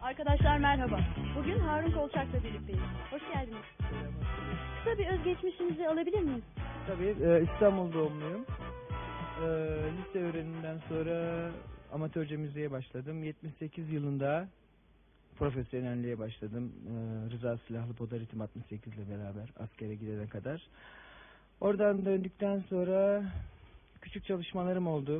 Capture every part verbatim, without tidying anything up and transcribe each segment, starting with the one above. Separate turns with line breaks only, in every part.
Arkadaşlar merhaba. Bugün Harun Kolçak'la birlikteyiz. Hoş geldiniz. Kısa bir özgeçmişinizi alabilir miyiz?
Tabii e, İstanbul doğumluyum. E, lise öğreniminden sonra amatörce müziğe başladım. yetmiş sekiz yılında profesyonelliğe başladım. E, Rıza Silahlı Poda Ritim altmış sekiz ile beraber askere gidene kadar. Oradan döndükten sonra küçük çalışmalarım oldu.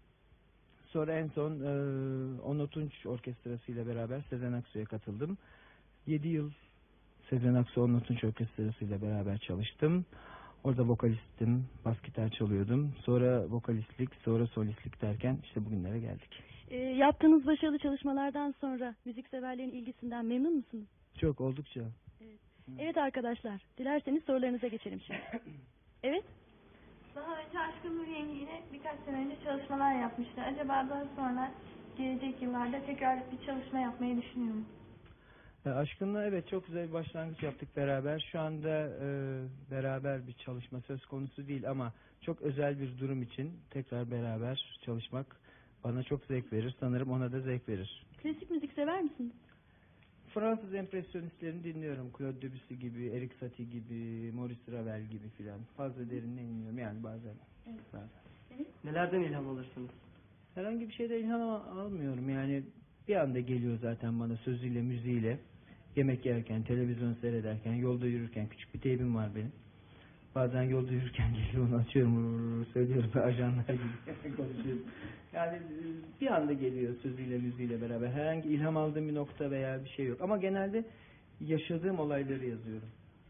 Sonra en son e, Onur Tunç Orkestrası ile beraber Sezen Aksu'ya katıldım. yedi yıl Sezen Aksu Onur Tunç Orkestrası ile beraber çalıştım. Orada vokalistim, bas gitar çalıyordum. Sonra vokalistlik, sonra solistlik derken işte bugünlere geldik.
E, yaptığınız başarılı çalışmalardan sonra müzikseverlerin ilgisinden memnun musunuz?
Çok, oldukça.
Evet. Evet arkadaşlar, dilerseniz sorularınıza geçelim şimdi. Evet.
Daha önce Aşkın Nur Yengi ile birkaç sene önce çalışmalar yapmıştı. Acaba daha sonra gelecek yıllarda tekrar bir çalışma yapmayı düşünüyor mu?
E, Aşkın'la evet çok güzel bir başlangıç yaptık beraber. Şu anda e, beraber bir çalışma söz konusu değil ama çok özel bir durum için tekrar beraber çalışmak bana çok zevk verir. Sanırım ona da zevk verir.
Klasik müzik sever misiniz?
Fransız empresyonistlerini dinliyorum. Claude Debussy gibi, Erik Satie gibi, Maurice Ravel gibi filan. Fazla derinine inmiyorum yani bazen.
Evet.
bazen.
Evet.
Nelerden ilham alırsınız?
Herhangi bir şeyden ilham al- almıyorum yani bir anda geliyor zaten bana sözüyle, müziğiyle. Yemek yerken, televizyon seyrederken, yolda yürürken küçük bir teybim var benim. Bazen yolda yürürken geliyor onu açıyorum, vurur, söylüyorum ve ajanlar gibi konuşuyorum. Yani e, bir anda geliyor sözüyle, müziğiyle beraber. Herhangi ilham aldığım bir nokta veya bir şey yok. Ama genelde yaşadığım olayları yazıyorum.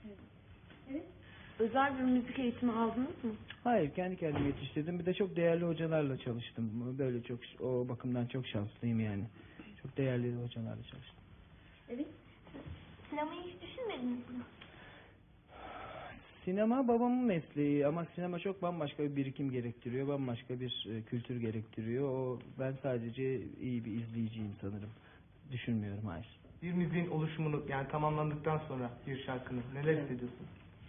Evet.
Özel bir müzik eğitimi aldınız mı?
Hayır, kendi kendime yetiştirdim. Bir de çok değerli hocalarla çalıştım. Böyle çok, o bakımdan çok şanslıyım yani. Çok değerli hocalarla çalıştım.
Evet.
Sinemayı hiç düşünmediniz mi?
Sinema babamın mesleği ama sinema çok bambaşka bir birikim gerektiriyor. Bambaşka bir e, kültür gerektiriyor. O, ben sadece iyi bir izleyiciyim sanırım. Düşünmüyorum, hayır.
Bir müziğin oluşumunu yani tamamlandıktan sonra bir şarkının neler hissediyorsunuz?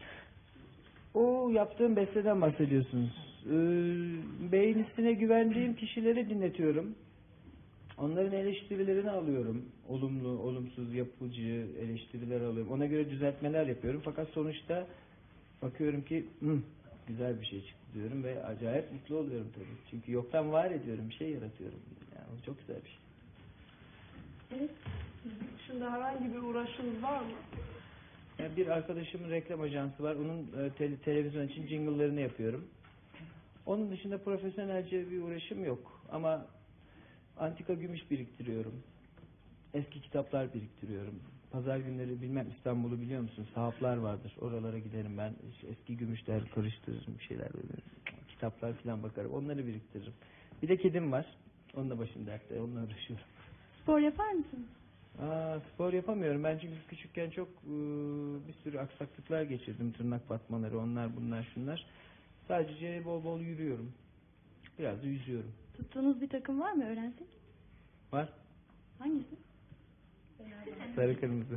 O yaptığım besteden bahsediyorsunuz. Ee, beğenisine güvendiğim kişilere dinletiyorum. Onların eleştirilerini alıyorum. Olumlu, olumsuz, yapıcı eleştiriler alıyorum. Ona göre düzeltmeler yapıyorum. Fakat sonuçta bakıyorum ki Hı, güzel bir şey çıktı diyorum ve acayip mutlu oluyorum tabii. Çünkü yoktan var ediyorum, bir şey yaratıyorum. Yani o çok güzel bir şey.
Evet.
Dışında herhangi bir uğraşınız var mı?
Yani bir arkadaşımın reklam ajansı var. Onun e, te- televizyon için jingle'larını yapıyorum. Onun dışında profesyonelce bir uğraşım yok. Ama antika gümüş biriktiriyorum. Eski kitaplar biriktiriyorum. Pazar günleri bilmem İstanbul'u biliyor musun? Sahaflar vardır. Oralara giderim ben. Eski gümüşler karıştırırım, bir şeyler böyle. Kitaplar falan bakarım. Onları biriktiririm. Bir de kedim var. Onunla başım dertte. Onunla uğraşıyorum.
Spor yapar mısınız?
Aa, spor yapamıyorum. Ben çünkü küçükken çok e, bir sürü aksaklıklar geçirdim. Tırnak batmaları, onlar bunlar şunlar. Sadece bol bol yürüyorum. Biraz da yüzüyorum.
Tuttuğunuz bir takım var mı, öğrensek?
Var.
Hangisi?
Sarı kırmızı.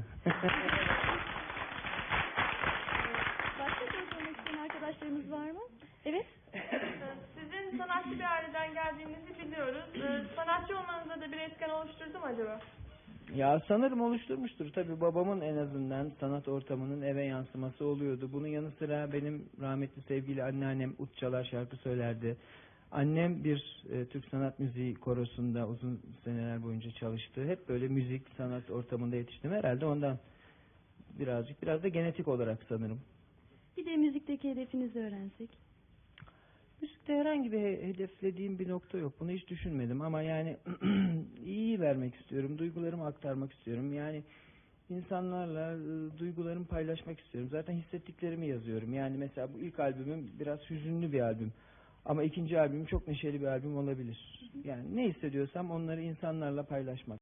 Başka soru sormak isteyen arkadaşlarımız var mı? Evet.
Sizin sanatçı bir aileden geldiğinizi biliyoruz. Ee, sanatçı olmanızda da bir etken oluşturdu mu acaba?
Ya sanırım oluşturmuştur. Tabii babamın en azından sanat ortamının eve yansıması oluyordu. Bunun yanı sıra benim rahmetli sevgili anneannem ut çalar, şarkı söylerdi. Annem bir e, Türk sanat müziği korosunda uzun seneler boyunca çalıştı. Hep böyle müzik, sanat ortamında yetiştim. Herhalde ondan birazcık, biraz da genetik olarak sanırım.
Bir de müzikteki hedefinizi öğrensek.
Müzikte herhangi bir he- hedeflediğim bir nokta yok. Bunu hiç düşünmedim ama yani iyi vermek istiyorum. Duygularımı aktarmak istiyorum. Yani insanlarla e, duygularımı paylaşmak istiyorum. Zaten hissettiklerimi yazıyorum. Yani mesela bu ilk albümüm biraz hüzünlü bir albüm. Ama ikinci albümüm çok neşeli bir albüm olabilir. Yani ne hissediyorsam onları insanlarla paylaşmak.